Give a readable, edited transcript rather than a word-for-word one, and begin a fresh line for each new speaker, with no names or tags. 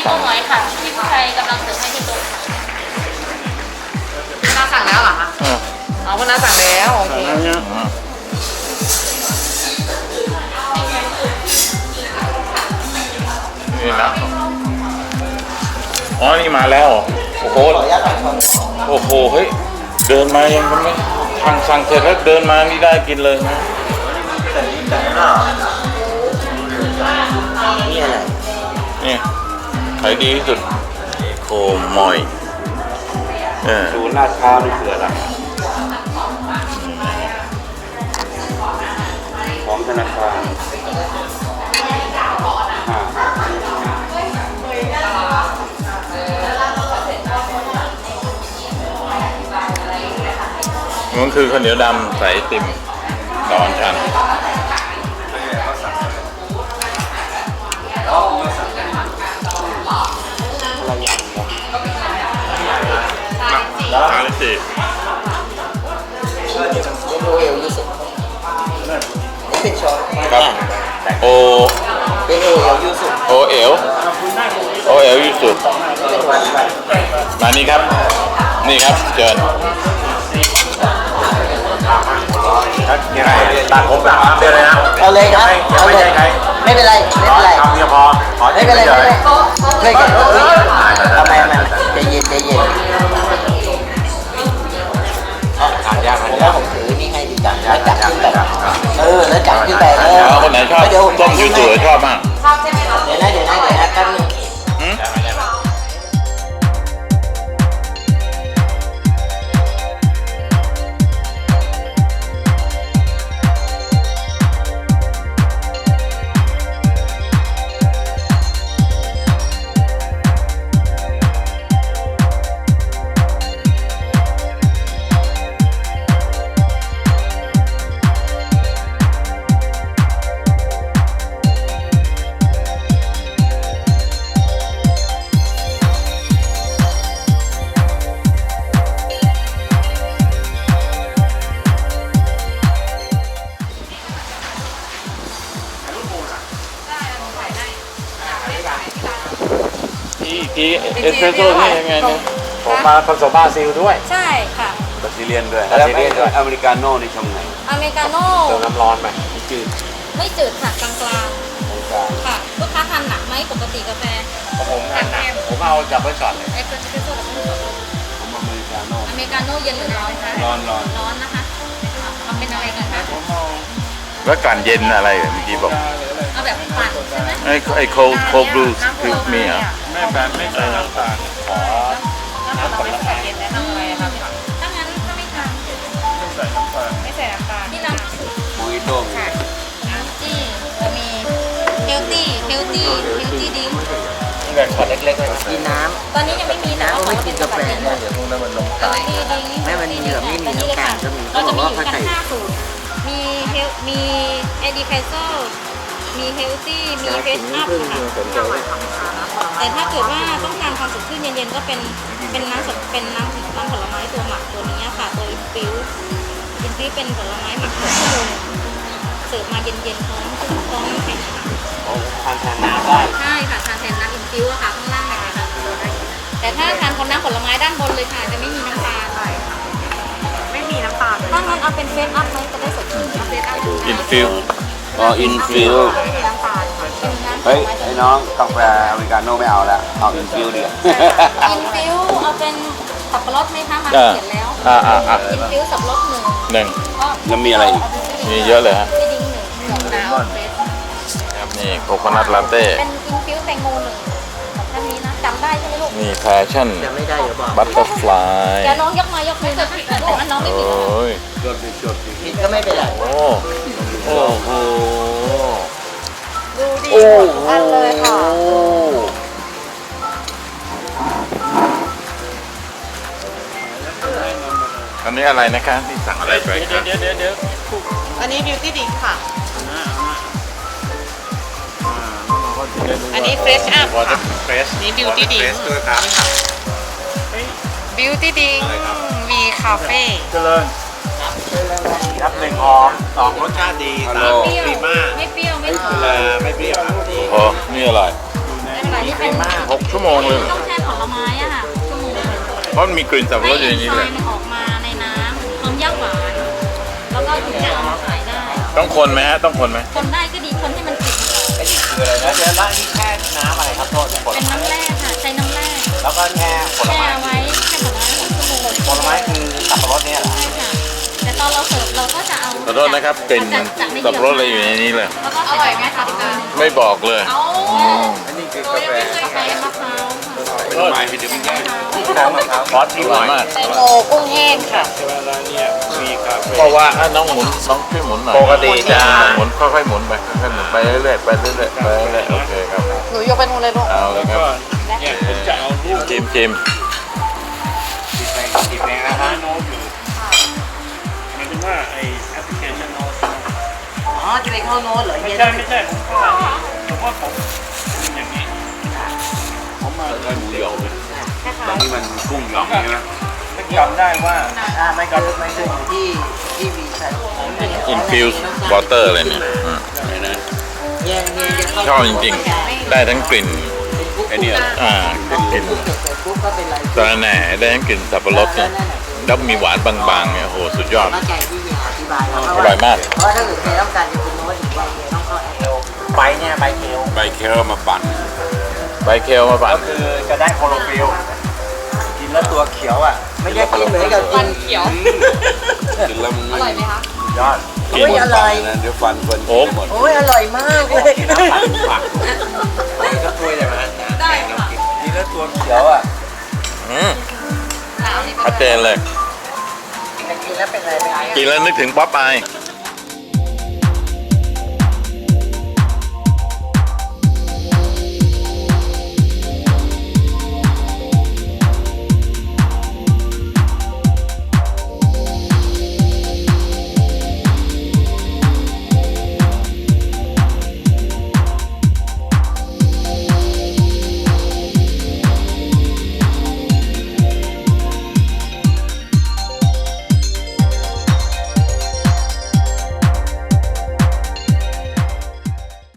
นูน้อยค่ะที่ผู้ชายกำลังเสิร์ฟให้ที่โต๊ะ
คุณน้าสั่งแล้วเหรอคะอ๋อคุณน้าสั่งแล้วโอเค
นี่นะอ๋อนี่มาแล้วโอ้โหโอ้โหเฮ้ยเดินมายังไม่สั่งเสร็จแล้วเดินมานี่ได้กินเลยนะ
นี่อะไร
นี่ขายดีที่สุดโคมอย
ศูนย์ลาดพร้าวนี่คืออะไรของธนาคาร
มันคือข้าวเหนียวดำใส่ติ่มดอนชันสามสิบ
โอเอลยูสุนี่เป็นช้อน
ครับโอ
เป็นโอเอลยูสุ
โอเอลโอเอลยูสุด
เป็นวันไป
มานี่ครับนี่ครับเชิญ
ยังไงตัดผมแบบเดินเลยนะ
เอาเลยครับเอาเลยไม่เป็นไรไม่เป็นไร
ทำเดียวพอขอ
ไม่เป็นไรไม่เป็นไรช่วยกันทำไมมันใจเย็นใจเย็น
ทานยาก
ผ
ทาน
ม
ยา
ว่าก ผมถือนี่ให้ดีจังแล้วจับขึ้นไปแล้วจับขึ้นไปแล้ว
แล้วคนไหนชอบต้มยูสุชอบมาก
ชอบใช่ไหมคะ
เดี๋ยวนะแป๊บนึง
ทีเอสเปรสโซ่นี่ยังไงเนี่ย
ผมมาผสมบราซิลด้วย
ใช่ค่ะ
บราซิเลียนด้วย
แล้วอเมริกาโน่นี่ทำไง
อเมริกาโน่
เติมน้ำร้อนไหมจืด
ไม่จืดค่ะกลางๆค่ะลูกค้าทานหนักไหมปกติกาแฟ
ผมทานหนักผมเอาจับไว้ก่อนเลย
เอสเปรสโซ่กับน้ำ
ผมอเมริกาโน่
อเมริกาโน่เย็นหรือร้อนคะ
ร้อน
ร้อนนะคะทำเป็นอะไรกันคะ
แล้วการเย็นอะไรเมื่อกี้บอก
เอาแบบปั่นใช่ไหม
ไอ้โคบลูสคือมีเหรอ
ไม่แบบไม่ใส่น้ำตาลขอ
น้ำผลไม้เย็นแนะนำอะไรครับ
ถ้างั้นถ้าไม่ทาน
ไม่ใส่น้ำตาล
ไม่ใส่น้ำตาล
ที่น้ำ
โมฮิโต้
น้ำจี้จะมีเฮลตี้ดิ้ง
แบบช็อตเล็กๆเลยนะ
กินน้
ตอนนี้ยังไม่มีแต่
ำ
ว่า
น้ำ
ขอ
ไม่
ง
กิ
เป็น น
กาแฟ
สกัดเย็น
เดี๋ยวพวกนั้นมันลง
เฮลตี้ดิ้ง
แม่มันมีแบบไม่มีน้ำตาลก็มี
เราจะมีอยู่
เขาบอกว่าเขา
กัน
ใส่
5สูตรมีเอดิไคโซมีเฮลตี้มีเฟสอัพค่ะแต่ถ้าเกิดว่าต้องการความสดชื่นเย็นๆก็เป็นน้ำสดเป็นน้ำผลไม้ตัวหมักตัวนี้ค่ะตัวอินฟิวเป็นผลไม้หมัก6 ชั่วโมงเสิร์ฟมาเย็นๆพร้อมน้ำแข็งค่ะ
ทานแทนน้ำได้
ใช่ค่ะทานแทนน้ำอินฟิวอะค่ะข้างล่างเลยค่ะแต่ถ้าทานคนน้ำผลไม้ด้านบนเลยค่ะจะไม่มีน้ำตาล
ไม่มีน้ำตาล
ถ้างั้นเอาเป็นเฟสอัพไหมจะได้สดชื่นเอาเฟสอัพ
อินฟิล
อ๋ออินฟิล
ไม่มีน้ำตาลค่ะ
เป็นน้ำผ
เฮ้ย
ลไม้
ไอ้น้องกาแฟอเมริกาโน่ไม่เอาแล้วเอาอินฟิลดีกว่า
อินฟิวเอาเป็นสับปะรดไหมคะมาเขียนแล้ว อินฟิวสับปะรด1
หนึ่ง
ก็
แล้วมีอะไรอีก
มีเยอะเลยฮะ
ที่ดิ้ง1น้ำเฟส
ครับนี่โคโคนัทลาเต้
เป็นอินฟิวแตงโม1แบบท่านนี้นะจำได้ใช่ไหมลูก
มีแพชชั่น
จะไม่ได้เดี๋ยวบอก
บัตเตอร์ฟลาย
เดี๋ยวน้องยกมือจะผิดนะลูกอันน้องไม่ผิดนะคะ
โอ้ย
ผิดก็ไม่เป็นไร
โอ้โอ้โห
ดูดีหมดทุกอันเลยค่ะ
อันนี้อะไรนะคะที่สั่งอะไรไปครับ
เดี๋ยว
อันนี้ beauty drink ค่ะ อันนี้ fresh up
วอเตอ
ค่ะ
ร์เฟส
นี่ beauty drink
ด้วยครับ
beauty drink มีคาเฟ่
เจริญครับหนึ่งหอมสองรสชาติดีสาม
เปรี้ยว
ดีมาก
ไม่เปรี้ยวไม่หอม
ไม่เปรี้ยวครับดี
โอ้นี่อะไร
ไม่เป็นไรนี้เป็น
6 ชั่วโมงเลย
ต้องแช่ผลไม้อะค่ะชั่วโมง
เพราะมันมีกลิ่นสับปะรดอยู่ในนี้
ให้
เล
เอน
ย
ไซม์มันออกมาในน้ำพร้อมย่างหวาน แล้วก็ถึงจะเอามาขายได้
ต้องคนไหมฮะต้องคนไหม
คนได้ก็ดีคนให้มันกลิ่นมันออก
คืออะไรนะเดี๋ยวแล้วนี่แค่น้ำอะไรครับโทษผล
เป็น
ไม้
น้ำแร่ค่ะใช้น้ำแร่
แล้วก็แค่ผล
แช่
ไม้
ไว้แช่ผลไม้6 ชั่วโมง
ผลไม้คือสับปะรดเนี่ยเหรอ
ใช่ค่ะแต่ตอนเราเสิร์ฟเราก็จะเอา
ขอโทษนะครับกลิ่นสับปะรดอะไรอยู่ในนี้เลย
แล้วก็อร่อยไหมคะพี่ตา
ไม่บอกเลย
อันนี้คือกาแฟ
กาแฟมะพร้าวค่ะ
ต้นไม้ให้ดื่มง่าย
ที่น้ำมะพร้าวขอชิ
อ
มห
ร่
น่
อ
อย ย
มาก
แตงโมกุ้งแห้งค่ะ
เพราะว่าน้องหมุนน้องช่วยหมุนหน่อย
ปกติจะ
หมุนค่อยๆหมุนไปค่อยๆหมุนไปเรื่อยๆไปเรื่อยๆไปเรื่อยๆโอเคครับ
หนูยกไปนู่นเลยลูก
เอาเลยครับชิม
ติดแรงนะฮะ
หมายถึงว่าไอ้แอปพลิเคชันโน้ต
อ๋อจะไปเข้าโน้ตเหรอ
ไม่
เย็น
ใช่ไม่ใช่ผมก็ผมว่าผมเป็นอย่างนี้ ผมมา
ได้หมูหยองเลย
ตอนนี้มันกุ้งหยองใช่ไหมไม่จำได้ว่า
ไม่คืออยู่ที่วีใช่
infused water เลยเนี่ยอืม
เย็นจะเข้า
ชอบจริงๆ ได้ทั้งกลิ่น
ไอ้นี่
กลิ่น
เสร็จปุ๊บก็เป็นไร
ตาแหน่ได้ทั้งกลิ่นสับปะรดเนี่ยแล้วมีหวานบางๆเนี่ยโอ้โหสุดยอด
เข้าใจที่มีอธิบายแล้ว
อร่อยมาก
เพราะว่าถ้าเกิดใครต้องการจะเป็นโน้ตหรือว่าต้องเข้าแอป
ใบเนี่ยใบเคียว
ใบเคลมาปั่นใบเคลมาปั่น
ก็คือจะได้โคโลฟิลกินแล้วตัวเขียวอ่ะ
ไม่ได้กินเหมือนกับกิน
เขียว
กินแล้วมัน
อร่อยไหมคะ
ยอด
โอ้ยอร่อย
เดี๋ยวฟันเฟินโอ้หมด
โอ้ยอร่อยมากเลย
ก็ถ้วยได้ไหม
ได้ค่ะ
กินแล้วตัวเขียวอ่ะ
ชัดเจนเลย
กินแล้วเป็นอะไรไป
กินแล้วนึกถึงป๊อปอาย
อ